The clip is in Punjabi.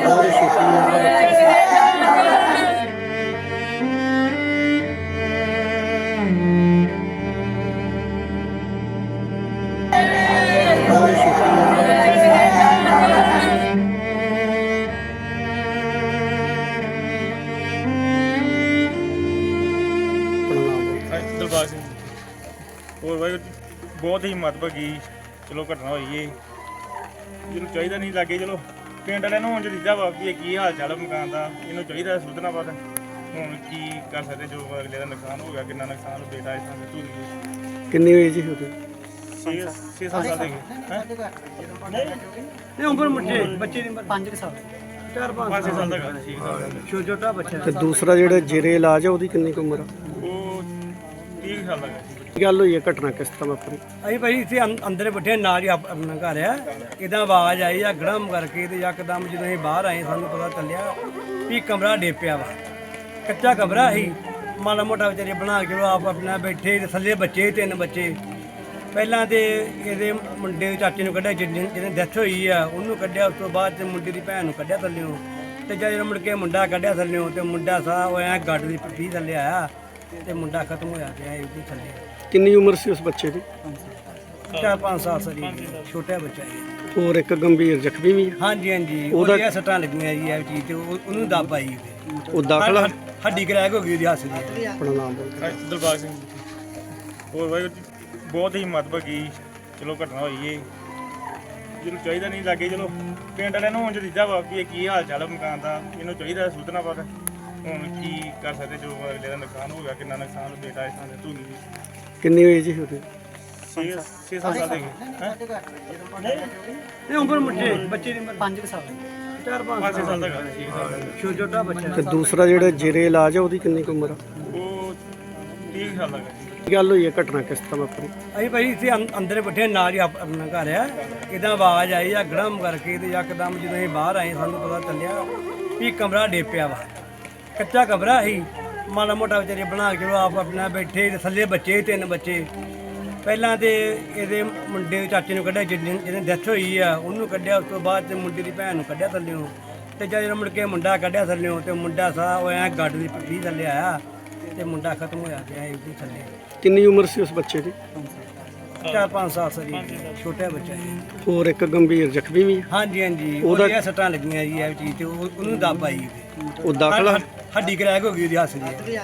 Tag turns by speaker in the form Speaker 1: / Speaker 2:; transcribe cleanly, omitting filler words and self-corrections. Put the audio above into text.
Speaker 1: ਉਹਦੀ ਛੋਟੀ ਉਮਰ ਦਾ ਬੱਚਾ ਉਹਦੀ ਛੋਟੀ ਉਮਰ ਦਾ
Speaker 2: ਦਿਲਬਾਗ ਸਿੰਘ ਹੋਰ ਵਾਹਿਗੁਰੂ ਜੀ ਬਹੁਤ ਹੀ ਮੱਦਭਾਗੀ ਚਲੋ ਘਟਨਾ ਹੋਈ ਏ ਜਿਹਨੂੰ ਚਾਹੀਦਾ ਨਹੀਂ ਲੱਗੇ ਚਲੋ ਪਿੰਡ ਵਾਲਿਆਂ ਨੂੰ ਹੁਣ ਜਦੀਦਾ ਵਾ ਵੀ ਇਹ ਕੀ ਹਾਲ ਚਾਲ ਆ ਮਕਾਨ ਦਾ ਇਹਨੂੰ ਚਾਹੀਦਾ ਸੁਧਨਾ ਪਤਾ ਹੁਣ ਕੀ ਕਰ ਸਕਦੇ ਜੋ ਅਗਲੇ ਦਾ ਨੁਕਸਾਨ ਹੋ ਗਿਆ ਕਿੰਨਾ ਨੁਕਸਾਨ ਬੇਟਾ ਇਸ ਤਰ੍ਹਾਂ ਧੂਰੀ ਗਈ
Speaker 1: ਕਿੰਨੀ ਏਜ ਸੀ ਉਹਦੀ
Speaker 2: 6 ਸਾਲ ਦੇ ਹੈਂ
Speaker 3: ਇਹ ਉਮਰ ਮੁੱਢੇ ਬੱਚੇ ਦੀ ਉਮਰ 5 ਸਾਲ
Speaker 2: 5 ਸਾਲ ਦਾ ਗਾ 6 ਸਾਲ ਦਾ
Speaker 3: ਛੋਟਾ ਬੱਚਾ
Speaker 1: ਤੇ ਦੂਸਰਾ ਜਿਹੜਾ ਜੇਰੇ ਇਲਾਜ ਆ ਉਹਦੀ ਕਿੰਨੀ ਕੁ ਉਮਰ ਆ
Speaker 2: ਉਹ 30 ਸਾਲ ਦਾ ਗਾ
Speaker 1: ਕੀ ਗੱਲ ਹੋਈ ਹੈ ਘਟਨਾ ਕਿਸ ਤਰ੍ਹਾਂ ਵਾਪਰੀ
Speaker 3: ਅਸੀਂ ਭਾਈ ਇੱਥੇ ਅੰਦਰ ਬੈਠੇ ਨਾਲ ਹੀ ਆਪਣਾ ਘਰ ਆ ਇਦਾਂ ਆਵਾਜ਼ ਆਈ ਆ ਗੜਮ ਕਰਕੇ ਤੇ ਯਕਦਮ ਜਦੋਂ ਅਸੀਂ ਬਾਹਰ ਆਏ ਸਾਨੂੰ ਪਤਾ ਚੱਲਿਆ ਵੀ ਕਮਰਾ ਡੇਪਿਆ ਵਾ ਕੱਚਾ ਕਮਰਾ ਸੀ ਮਾੜਾ ਮੋਟਾ ਵਿਚਾਰੇ ਬਣਾ ਕੇ ਆਪ ਆਪਣਾ ਬੈਠੇ ਤੇ ਥੱਲੇ ਬੱਚੇ 3 ਬੱਚੇ ਪਹਿਲਾਂ ਤੇ ਇਹਦੇ ਮੁੰਡੇ ਦੇ ਚਾਚੇ ਨੂੰ ਕੱਢਿਆ ਜਿਹਨੇ ਡੈਥ ਹੋਈ ਆ ਉਹਨੂੰ ਕੱਢਿਆ ਉਸ ਤੋਂ ਬਾਅਦ ਤੇ ਮੁੰਡੇ ਦੀ ਭੈਣ ਨੂੰ ਕੱਢਿਆ ਥੱਲਿਓਂ ਤੇ ਜਦੋਂ ਮੁੜ ਕੇ ਮੁੰਡਾ ਕੱਢਿਆ ਥੱਲਿਓਂ ਤੇ ਮੁੰਡਾ ਸਾਹ ਹੋਇਆ ਗੱਡ ਦੀ ਪਿੱਠੀ ਥੱਲੇ ਆਇਆ ਤੇ ਮੁੰਡਾ ਖਤਮ ਹੋਇਆ ਪਿਆ ਇਹਦੇ ਥੱਲੇ
Speaker 1: ਕਿੰਨੀ ਉਮਰ ਸੀ ਉਸ ਬੱਚੇ ਦੀ
Speaker 3: 4-5 ਸਾਲ ਸਰੀ ਛੋਟਾ ਬੱਚਾ ਹੈ
Speaker 1: ਹੋਰ ਇੱਕ ਗੰਭੀਰ ਜ਼ਖਮੀ ਵੀ ਆ।
Speaker 3: ਹਾਂਜੀ ਹਾਂਜੀ ਉਹਦੀਆਂ ਸੱਟਾਂ ਲੱਗੀਆਂ ਜੀ ਇਹ ਚੀਜ਼ ਤੇ ਉਹਨੂੰ ਦੱਬ ਆਈ
Speaker 1: ਉਹ ਦਾਖਲਾ
Speaker 3: ਹੱਡੀ ਕਰੈਕ ਹੋ ਗਈ ਉਹਦੀ ਹੱਸ ਦੀ
Speaker 1: ਆਪਣਾ ਨਾਮ ਬੋਲ
Speaker 2: ਦਿਲਬਾਗ ਸਿੰਘ ਹੋਰ ਵਾਹਿਗੁਰੂ ਜੀ ਬਹੁਤ ਹੀ ਮੱਦਭਾਗੀ ਚਲੋ ਘਟਨਾ ਹੋਈ ਏ ਜਿਹਨੂੰ ਚਾਹੀਦਾ ਨਹੀਂ ਲੱਗੇ ਚਲੋ ਪਿੰਡ ਵਾਲਿਆਂ ਨੂੰ ਹੁਣ ਜਦੀਦਾ ਵਾ ਵੀ ਇਹ ਕੀ ਹਾਲ ਚਾਲ ਆ ਮਕਾਨ ਦਾ ਇਹਨੂੰ ਚਾਹੀਦਾ ਸੁਧਨਾ ਪਤਾ ਹੁਣ ਕੀ ਕਰ ਸਕਦੇ ਜੋ ਅਗਲੇ ਦਾ ਨੁਕਸਾਨ ਹੋ ਗਿਆ ਕਿੰਨਾ ਨੁਕਸਾਨ ਬੇਟਾ ਇਸ ਤਰ੍ਹਾਂ ਧੂਰੀ ਗਈ
Speaker 1: ਕਿੰਨੀ ਏਜ ਸੀ ਉਹਦੀ
Speaker 2: 6 ਸਾਲ ਦੇ ਹੈਂ
Speaker 3: ਇਹ ਉਮਰ ਮੁੱਢੇ ਬੱਚੇ ਦੀ ਉਮਰ 5 ਸਾਲ
Speaker 2: 5 ਸਾਲ ਦਾ ਗਾ 6 ਸਾਲ ਦਾ
Speaker 3: ਛੋਟਾ ਬੱਚਾ
Speaker 1: ਤੇ ਦੂਸਰਾ ਜਿਹੜਾ ਜੇਰੇ ਇਲਾਜ ਆ ਉਹਦੀ ਕਿੰਨੀ ਕੁ ਉਮਰ ਆ
Speaker 2: ਉਹ 30 ਸਾਲ ਦਾ ਗਾ
Speaker 1: ਕੀ ਗੱਲ ਹੋਈ ਹੈ ਘਟਨਾ ਕਿਸ ਤਰ੍ਹਾਂ ਵਾਪਰੀ
Speaker 3: ਅਸੀਂ ਭਾਈ ਇੱਥੇ ਅੰਦਰ ਬੈਠੇ ਨਾਲ ਹੀ ਆਪਣਾ ਘਰ ਆ ਇਦਾਂ ਆਵਾਜ਼ ਆਈ ਆ ਗੜਮ ਕਰਕੇ ਤੇ ਯਕਦਮ ਜਦੋਂ ਅਸੀਂ ਬਾਹਰ ਆਏ ਸਾਨੂੰ ਪਤਾ ਚੱਲਿਆ ਵੀ ਕਮਰਾ ਡੇਪਿਆ ਵਾ ਕੱਚਾ ਕਮਰਾ ਸੀ ਮਾੜਾ ਮੋਟਾ ਵਿਚਾਰੇ ਬਣਾ ਕੇ ਆਪ ਆਪਣਾ ਬੈਠੇ ਤੇ ਥੱਲੇ ਬੱਚੇ 3 ਬੱਚੇ ਪਹਿਲਾਂ ਤੇ ਇਹਦੇ ਮੁੰਡੇ ਦੇ ਚਾਚੇ ਨੂੰ ਕੱਢਿਆ ਜਿਹਨੇ ਡੈਥ ਹੋਈ ਆ ਉਹਨੂੰ ਕੱਢਿਆ ਉਸ ਤੋਂ ਬਾਅਦ ਤੇ ਮੁੰਡੇ ਦੀ ਭੈਣ ਨੂੰ ਕੱਢਿਆ ਥੱਲਿਓਂ ਤੇ ਜਦੋਂ ਮੁੜ ਕੇ ਮੁੰਡਾ ਕੱਢਿਆ ਥੱਲਿਓਂ ਤੇ ਮੁੰਡਾ ਸਾਹ ਹੋਇਆ ਗੱਡ ਦੀ ਪਿੱਠੀ ਥੱਲੇ ਆਇਆ ਤੇ ਮੁੰਡਾ ਖਤਮ ਹੋਇਆ ਪਿਆ ਇਹਦੇ ਥੱਲੇ
Speaker 1: ਕਿੰਨੀ ਉਮਰ ਸੀ ਉਸ ਬੱਚੇ ਦੀ
Speaker 3: 4-5 ਸਾਲ ਸਰੀ ਛੋਟਾ ਬੱਚਾ ਹੈ
Speaker 1: ਹੋਰ ਇੱਕ ਗੰਭੀਰ ਜ਼ਖਮੀ ਵੀ ਆ।
Speaker 3: ਹਾਂਜੀ ਹਾਂਜੀ ਉਹਦੀਆਂ ਸੱਟਾਂ ਲੱਗੀਆਂ ਜੀ ਇਹ ਚੀਜ਼ ਤੇ ਉਹਨੂੰ ਦੱਬ ਆਈ
Speaker 1: ਉਹ ਦਾਖਲਾ
Speaker 3: ਹੱਡੀ ਕਰੈਕ ਹੋ ਗਈ ਉਹਦੀ ਹੱਸ ਦੀ